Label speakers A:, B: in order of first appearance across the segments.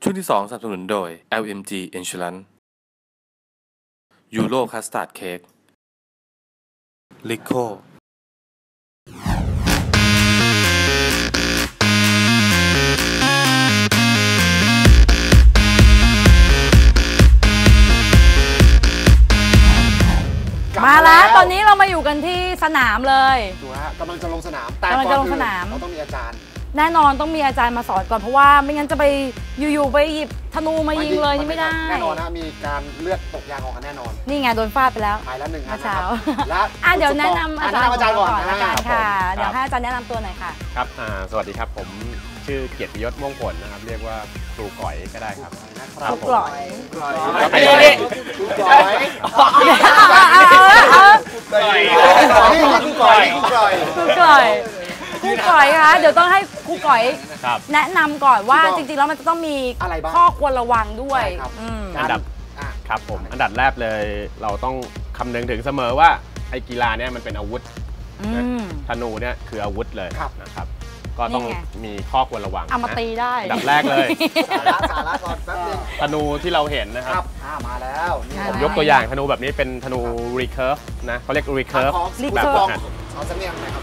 A: ช่วงที่2สนับสนุนโดย LMG Insurance Euro Custard Cake Lico
B: มาแล้วตอนนี้เรามาอยู่กันที่สนามเลย
C: ถูกฮะกำลังจะลงสนามแต่ก่อนอื่นเราต้องมีอาจารย์
B: แน่นอนต้องมีอาจารย์มาสอนก่อนเพราะว่าไม่งั้นจะไปอยู่ๆไปหยิบธนูมายิงเลยนี่ไม่ได้
C: แน่นอนนะมีการเลือดตกยางออกกันแน่นอน
B: นี่ไงโดนฟาดไปแล้ว
C: ไปแล้ว1อัน
B: นะครับ
C: แล้ว
B: เดี๋ยวแนะนำอาจารย์ก่อนละกันค่ะเดี๋ยวให้อาจารย์แนะนำตัวหน่อยค่ะ
D: ครับสวัสดีครับผมชื่อเกียรติยศม่วงผลนะครับเรียกว่าครูก๋อยก็ได้ครับ
B: ครูก๋อย
C: ครูก๋อย
B: คะเดี๋ยวต้องให้ครูก๋อยแนะนำก่อนว่าจริงๆแล้วมันจะต้องมีข้อควรระวังด้วย
D: อันดับครับผมอันดับแรกเลยเราต้องคำนึงถึงเสมอว่าไอ้กีฬาเนี่ยมันเป็นอาวุธธนูเนี่ยคืออาวุธเลยนะครับก็ต้องมีข้อควรระวัง
B: เอามาตีได้
D: อันดับแรกเลย
C: สาระก่อนแป๊บนึง
D: ธนูที่เราเห็นนะครับ
C: มาแล้ว
D: ผมยกตัวอย่างธนูแบบนี้เป็นธนู recurve นะเขาเรียก recurve แบบ
C: เอาสำเนียงหน่อยครับ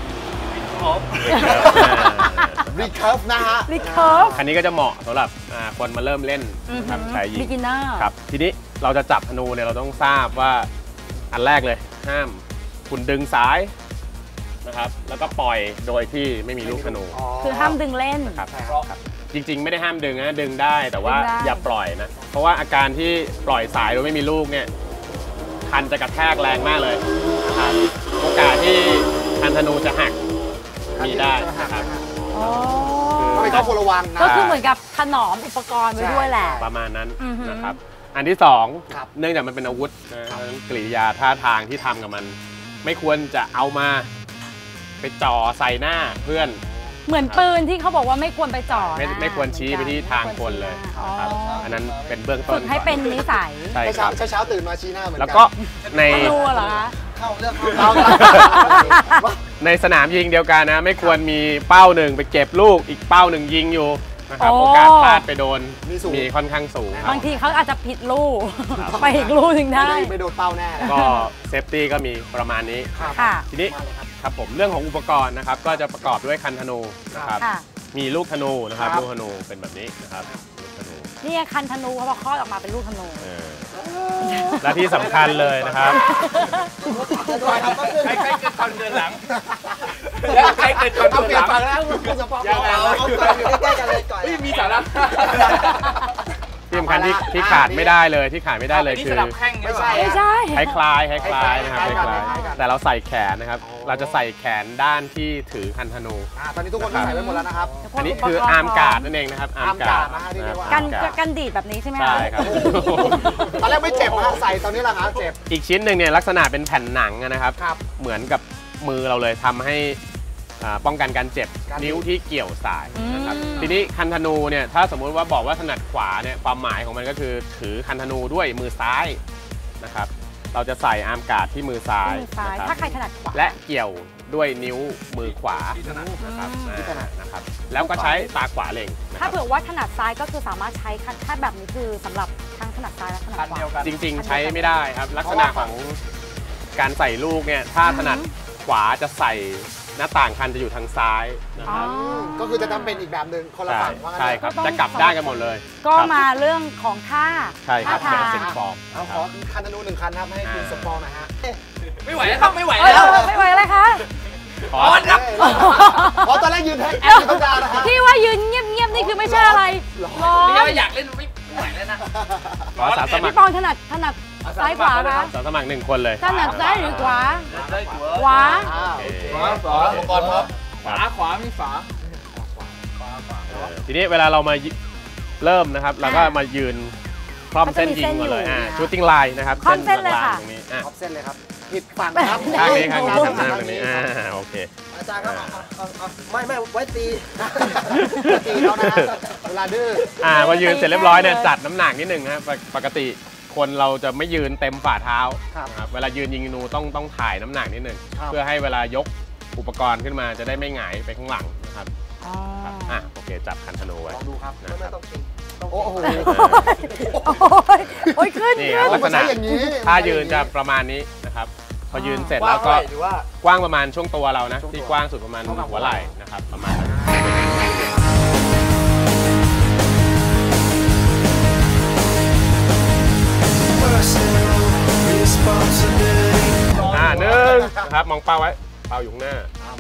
C: recurve นะฮะ
B: recurve
D: คันนี้ก็จะเหมาะสำหรับคนมาเริ่มเล่นครับใช้ยิง
B: beginner
D: ครับทีนี้เราจะจับธนูเนี่ยเราต้องทราบว่าอันแรกเลยห้ามคุณดึงสายนะครับแล้วก็ปล่อยโดยที่ไม่มีลูกธนู
B: คือห้ามดึงเล่น
D: ครับจริงๆไม่ได้ห้ามดึงนะดึงได้แต่ว่าอย่าปล่อยนะเพราะว่าอาการที่ปล่อยสายโดยไม่มีลูกเนี่ยคันจะกระแทกแรงมากเลยนะครับโอกาสที่คันธนูจะหักมีได้นะครับ
C: ก็เป็นข้อควรระวังนะ
B: ก็คือเหมือนกับถนอมอุปกรณ์ไว้ด้วยแหละ
D: ประมาณนั้นนะครับอันที่2เนื่องจากมันเป็นอาวุธกริยาท่าทางที่ทำกับมันไม่ควรจะเอามาไปจ่อใส่หน้าเพื่อน
B: เหมือนปืนที่เขาบอกว่าไม่ควรไปจ่อ
D: ไม่ควรชี้ไปที่ทางคนเลยครับอันนั้นเป็นเบื้องต้น
B: ฝึกให้เป็นนิสัย
D: ใช่ครับ
C: เช้าตื่นมาชี้หน้าเหมือนกัน
D: แล้วก็ใน
B: เหรอคะ
C: เข้าเรื่อง
D: ในสนามยิงเดียวกันนะไม่ควรมีเป้าหนึ่งไปเก็บลูกอีกเป้าหนึ่งยิงอยู่นะครับโอกาสพลาดไปโดนมีค่อนข้างสูง
B: บางทีเขาอาจจะผิดลูกไปอีกลูกหนึ่งได้
C: ไม่โดนเป้าแน่
D: ก็เซฟตี้ก็มีประมาณนี้ทีนี้ครับผมเรื่องของอุปกรณ์นะครับก็จะประกอบด้วยคันธนูนะครับมีลูกธนูนะครับลูกธนูเป็นแบบนี้นะครับลูกธนู
B: นี่คันธนูเขาบอกคลอดออกมาเป็นลูกธนู
D: และที่สำคัญเลยนะครับ
E: ใครเกิดก่อนเดินหลังใครเกิดก่อนเดินหลัง
C: ยังไงใกล้ๆกันเลยก่อน
E: มีสาระ
D: ที่สำคัญที่ขาดไม่ได้เลยที่ขาดไม่ได้เลยคือ
B: ไม่ใช่
D: คล้ายนะครับคล้ายแต่เราใส่แขนนะครับเราจะใส่แขนด้านที่ถือคันธนู
C: ตอนนี้ทุกคนใส่ไว้หมดแล้วนะครับ
D: อันนี้คืออาร์มการ์ดนั่นเองนะครับ
C: อาร์มการ์ด
B: กันดีดแบบนี้ใช่ไหม
D: ใช่ครับ
C: ตอนแรกไม่เจ็บนะใส่ตอนนี้แหละครับเจ็บ
D: อีกชิ้นหนึ่งเนี่ยลักษณะเป็นแผ่นหนังนะครับเหมือนกับมือเราเลยทำให้ป้องกันการเจ็บนิ้วที่เกี่ยวสายนะครับทีนี้คันธนูเนี่ยถ้าสมมุติว่าบอกว่าถนัดขวาเนี่ยความหมายของมันก็คือถือคันธนูด้วยมือซ้ายนะครับเราจะใส่อาร์มการ์ดที่มือซ้าย
B: ถ้าใครถนัดขวา
D: และเกี่ยวด้วยนิ้วมือขวานะครับแล้วก็ใช้ตาขวาเล็ง
B: ถ้าเผื่อว่าถนัดซ้ายก็คือสามารถใช้ถ้าแบบนี้คือสำหรับทั้งถนัดซ้ายและถนัดขวา
D: จริงๆใช้ไม่ได้ครับลักษณะของการใส่ลูกเนี่ยถ้าถนัดขวาจะใส่หน้าต่างคันจะอยู่ทางซ้ายนะครับ
C: ก็คือจะทำเป็นอีกแบบหนึ่งคนละฝั่ง
D: ใช่ครับจะกลับด้านกันหมดเลย
B: ก็มาเรื่องของท่า
D: ใช่ครับเป็นเซ็ตฟอร์ม
C: เอาขอคันธนู1คันครับให้คุณสปอร์หน่อยฮะ
E: ไม่ไหวแล้วครับไม่ไหวแล้ว
B: ไม่ไหวเลยคะ
C: ขอตอนแรกยืนให้ธรรมดานะฮะ
B: ที่ว่ายืนเงียบๆนี่คือไม่ใช่อะไร
E: ร้อนอยากเล่นไม่ไหวแล้วนะ
B: พี่ปองถนัดซ้ายขวาคะ
D: สมัคร1คนเลย
B: ถนัดซ้ายหรือขวาขวา
E: อุปกรณ์พร้อมขวามีฝา
D: ทีนี้เวลาเรามาเริ่มนะครับเราก็มายืนคล่อมเส้นยิงก่อนเลยชูตติ้งไลน์นะครับ
B: คล่อมเส้นเลยค่ะ
C: คล่อมเส้นเลยครับผิดฝั่งครับ
D: ข้างนี้ทำหน้าตรงนี้โอเค
C: อาจารย์ครับไม่ไว้ตีเขานะเวลาดื้อ
D: พอยืนเสร็จเรียบร้อยเนี่ยจัดน้ำหนักนิดหนึ่งนะครับปกติคนเราจะไม่ยืนเต็มฝ่าเท้าครับเวลายืนยิงนูต้องถ่ายน้ำหนักนิดหนึ่งเพื่อให้เวลายกอุปกรณ์ขึ้นมาจะได้ไม่หงายไปข้างหลังนะครับโอเคจับคันธนูไว้
C: ลองดูครับไม่ต้องตีโอ้โห
B: โอ้ยขึ้น
D: นี่
B: ขึ้น
D: ลักษณะ
C: อย่างนี้
D: ถ้ายืนจะประมาณนี้นะครับพอยืนเสร็จแล้วก็
C: หรือว่าก
D: ว้างประมาณช่วงตัวเรานะ
C: ช่วงตัว
D: ที่กว้างสุดประมาณหัวไหล่นะครับประมาณนั้นหนึ่งนะครับมองเป้าไว้เป้าอยู่ข้างหน้า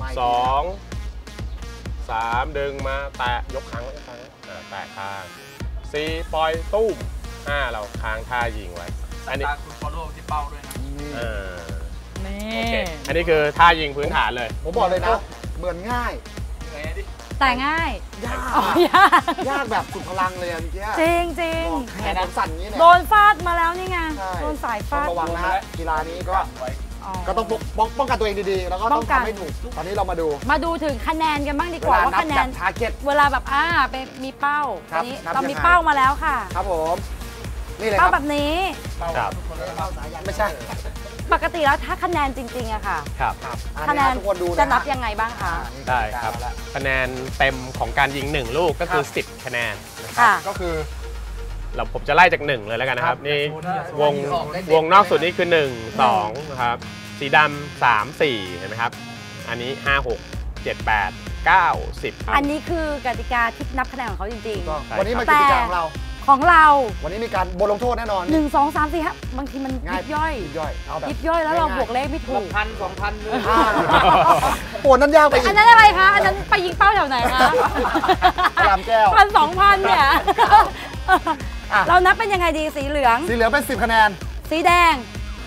D: 2 3ดึงมาแตะยกค้างไว้แตะค้าง4ปล่อยตุ้ม5เราค้างท่ายิงไว้อันนี้
E: ตาคุณ follow ที่เป้าด้วยนะ
B: นี่
D: โอเคอันนี้คือท่ายิงพื้นฐานเลย
C: ผมบอกเลยนะเหมือนง่าย
E: เหนื่อยดิ
B: แต่ง่าย
C: ยาก
B: อ๋อยาก
C: ยากแบบสุดพลังเลยอะเมื่อกี้
B: จริงจริง
C: แขนผมสั่นอย่างนี้เนี่ย
B: โดนฟาดมาแล้วนี่ไง
C: ใช่
B: โดนสาย
C: ต้อ
B: ฟาง ด
C: ระวังนะฮะกีฬานี้ก็
B: อ๋อ
C: ก็ต้องป้องกันตัวเองดีๆ แล้วก็
B: ป้
C: ต้อ
B: อง ง
C: ทำ
B: กัน
C: ให้ถูก ตอนนี้เรามาดู
B: มาดูถึงคะแนนกันบ้างดีกว่าว่าคะแนน
C: ทาร์เก็ต
B: เวลาแบบเป็นมีเป้า
C: ครับ
B: อันนี้
C: นับ
B: เรามี
C: ยังไง
B: เป้ามาแล้วค่ะ
C: ครับผม นี่เลยค
B: เป้า
C: รับ
B: แบบนี้
D: ครับ
C: ไม่ใช่
B: ปกติแล้วถ้าคะแนนจริงๆอะค่ะ
D: ครับ
B: คะแนน
C: ทุกคนดู
B: จะนับยังไงบ้างคะ
D: ได้ครับคะแนนเต็มของการยิง1ลูกก็คือ10คะแนนนะครับ
B: ค่ะ
C: ก็คือ
D: ผมจะไล่จาก1เลยแล้วกันนะครับนี่วงนอกสุดนี่คือ1 2นะครับสีดำ3 4เห็นไหมครับอันนี้5 6 7 8 9 10ครับ
B: อันนี้คือกติกาที่นับคะแนนของเขาจริง
C: ต้อง
D: ใช่
C: วันนี้มา
B: แต่
C: กิจกรรมของเรา
B: ๆ ของเรา
C: วันนี้มีการบทลงโทษแน่นอน
B: 1 2 3 4ครับบางทีมันยิบย่อย
C: ยิบย่อย เอาแบบ
B: ยิบย่อยแล้วเรา
C: ง่ายๆ
B: บวกเลขไม่ถูก
E: 1,000 2,000เลย
C: โอ้นั่นยากไปอี
B: อั
C: ก
B: นนั้นอะไรคะ อันนั้นไปยิงเป้าแถวไหนคะ
C: พระรามแก้ว
B: 1,000 2,000 เนี่ย
C: อ่ะ
B: เรานับเป็นยังไงดีสีเหลือง
C: สีเหลืองเป็น10คะแนน
B: สีแดง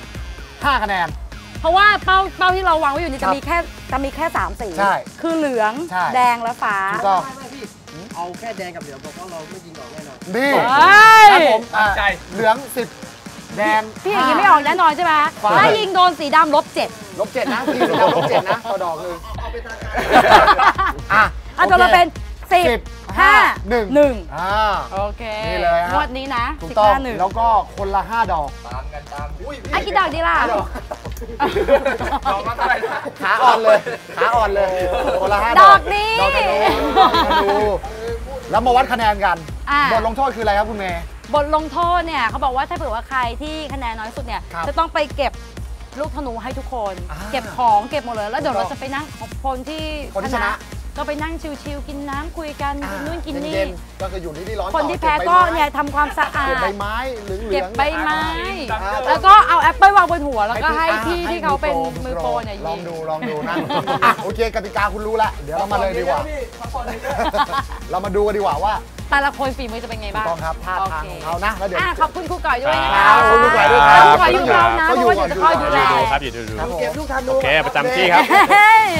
C: 5คะแนน
B: เพราะว่าเป้าที่เราวางไว้อยู่นี่
C: ครั
B: จะ
C: บ
B: มีแค่3สี
C: ใช่
B: คือเหลือง
C: ใช่
B: แดงและฟ้า
C: ถูกต้อง
F: เอาแค่แดงกับเหลืองบอกว่าเราไม่ยิงออกแน่นอน
C: นี่
B: เฮ้ย
C: ครับผมอ่ะ
E: ใจ
C: เหลือง10แดง
B: พี่อย่างนี้ไม่ออกแน่นอนใช่ไหม
C: ฟ้า
B: ถ้ายิงโดนสีดำลบ 7
C: -7นะทีมเรา-7นะต่อดอกนึงอ่ะ
B: อ่ะตัวเราเป็น 10 5
C: 1
B: 1
C: อ่า
B: โอเค
C: นี่เลยฮะ
B: งวดนี้นะ
C: ถูกต้อง
B: 15 1
C: แล้วก็คนละ5ดอก
E: ตามกันตามอุ้ย
B: อ่ะกี่ดอกดีล่ะ
C: 5ดอก
E: ดอกละเท่าไหร่นะ
C: ขาอ่อนเลยขาอ่อนเลยคนละ5
B: ดอกนี้
C: ดอกธนูดอกธนูแล้วมาวัดคะแนนกัน
B: อ่ะ
C: บทลงโทษคืออะไรครับคุณเมย์
B: บทลงโทษเนี่ยเขาบอกว่าถ้าเผื่อว่าใครที่คะแนนน้อยสุดเนี่ย
C: ครับ
B: จะต้องไปเก็บลูกธนูให้ทุกคน
C: อ่า
B: เก็บของเก็บหมดเลยแล้วเดี๋ยว
C: ถูกต้
B: เรา
C: อง
B: จะไปนั่งคนที่
C: คนที่ชนะ
B: ก็ไปนั่งชิวๆกินน้ำคุยกันกินนู่นกินนี่
C: เย็ๆก็คืออยู่ที่ร้อน
B: คนที่แพ้ก็เนี่ยทำความสะอา
C: เก็บ
B: ด
C: ใบไม้เหลืองๆ
B: เก็บใบไม้
C: อ่า
B: แล้วก็เอาแอปเปิลวางบนหัวแล้วก็ให้พี่
C: ให้
B: ที่เขาเป็น
C: มื
B: มื
C: อ
B: อ
C: โป
B: โป
C: ร
B: รเนี่ย
C: ล
B: ยิ
C: อง
B: ง
C: ดูลองดูนะอ่ะโอเคกติกาคุณรู้แล้วเดี๋ยวเรามาเลยดีกว่า เรามาดูกันดีกว่าว่า
B: แต่ละคนฝีมือจะเป็นไง
C: ถูก
B: บ้าง
C: ต้องครับท่าทางของเขานะแล้วเดี๋ยว
B: ขอบคุณครูก่อยด้วยนะ
C: ค
B: คะ
C: รับขอบคุณครูก่อยด้วยครับ
B: ครูก่อยอยู่กับเรานะเพราะว่าเดี๋ยวจะคอยดูแล
D: ดูครับอยู่ดู
C: ครับผม
F: เก็บลูกธนู
D: โอเคประจำที่ครับ
B: เฮ้ย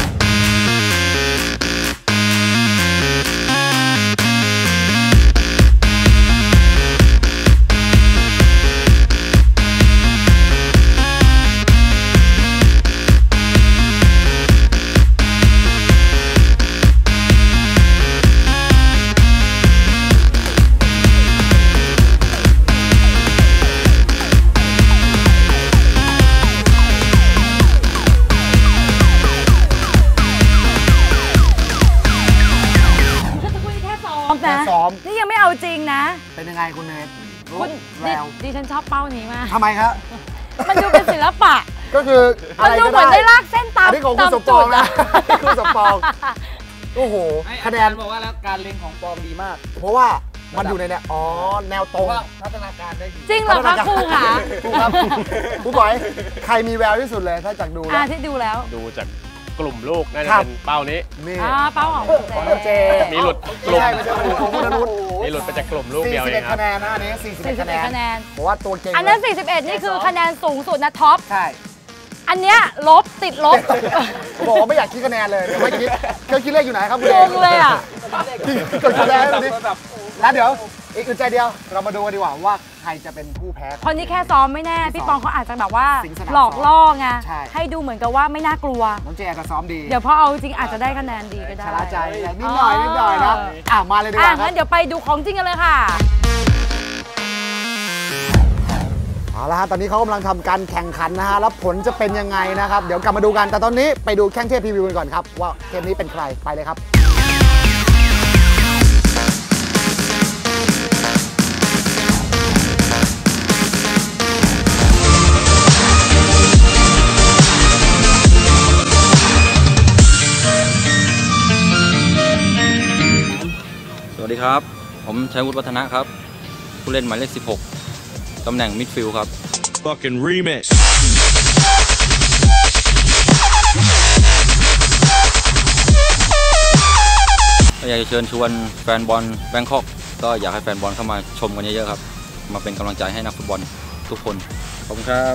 C: แค่ซ้อม
B: นี่ยังไม่เอาจริงนะ
C: เป็นยังไงคุณเมย์
B: คุณ
C: แวว
B: ดิฉันชอบเป้านี้มาก
C: ทำไมครับ
B: มันดูเป็นศิลปะ
C: ก็คืออะ
B: มัน
C: ไร
B: ดู
C: ก็
B: เหมือนได้ลากเส้นตาม
C: อันนี้ของคุณสมปองนะคุณสมปองโอ้โหคะแนน
F: บอกว่าแล้วการเล็งของปอมดีมาก
C: เพราะว่ามันอยู่ในเนี่ยอ๋อแนวตรง
F: ว่าพัฒนาการได้ดี
B: จริงเหรอคะครูคะ
C: ครูครับครูบอยใครมีแววที่สุดเลยถ้าจากดูแล้ว
B: ที่ดูแล้ว
D: ดูจากกลุ่มลูกน่าจะ
C: ครับ
D: เป็นเป้านี้
C: นี่
B: เป้าของ
C: ของน้องเจ
D: มีหลุดก
C: ไม่
D: ลุ่ม
C: ใช่ไม่ใช่ของคุณอนุช
D: มีหลุดไปจากกลุ่มลูกเดียวเองครั
C: 41
D: บ
C: คะแนนนะอันนี้41 คะแนน
B: คะแนน
C: เพราะว่าตัวเก่ง
B: อันนั้น
C: เลย
B: 41 นี่คือคะแนนสูงสุดนะท็อป
C: ใช่
B: อันเนี้ยลบติดลบ
C: ผมบอกว่าไม่อยากคิดคะแนนเลยเดี๋ยวไม่คิดเครื่องคิดเลขอยู่ไหนครับคุณ
B: งงเลยอ่ะ
C: กดคะแนนให้ดูดิแล้วเดี๋ยวอีกอึดใจเดียวเรามาดูกันดีกว่าว่าใครจะเป็นผู้แพ้
B: คนที่แค่ซ้อมไม่แน่ พี่ปองเขาอาจจะแบบว่า
C: สิงสนาม
B: หลอกล่อไง
C: ใช่
B: ให้ดูเหมือนกับว่าไม่น่ากลัว
C: น้องเจจะซ้อมดี
B: เดี๋ยวพอเอาจริงอาจจะได้คะแนนดีก็ได้
C: ชะล่าใจนิดหน่อยนิดหน่อยนะมาเลยดีกว่าครั
B: งั้
C: บ
B: นเดี๋ยวไปดูของจริงกันเลยค่ะ
C: เอาละฮะตอนนี้เขากำลังทำการแข่งขันนะฮะแล้วผลจะเป็นยังไงนะครับเดี๋ยวกลับมาดูกันแต่ตอนนี้ไปดูแข่งเทพพรีวิวกันก่อนครับว่าเกมนี้เป็นใครไปเลยครับ
G: ดีครับผมชัยวุฒิวัฒนะครับผู้เล่นหมายเลข16ตำแหน่งมิดฟิลด์ครับ
H: Fucking remix
G: อยากจะเชิญชวนแฟนบอลแบงคอกก็อยากให้แฟนบอลเข้ามาชมกันเยอะๆครับมาเป็นกำลังใจให้นักฟุตบอลทุกคนขอบคุณครับ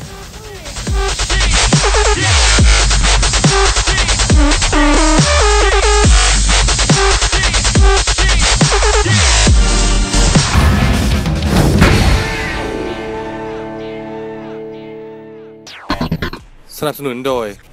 A: สนับสนุนโดย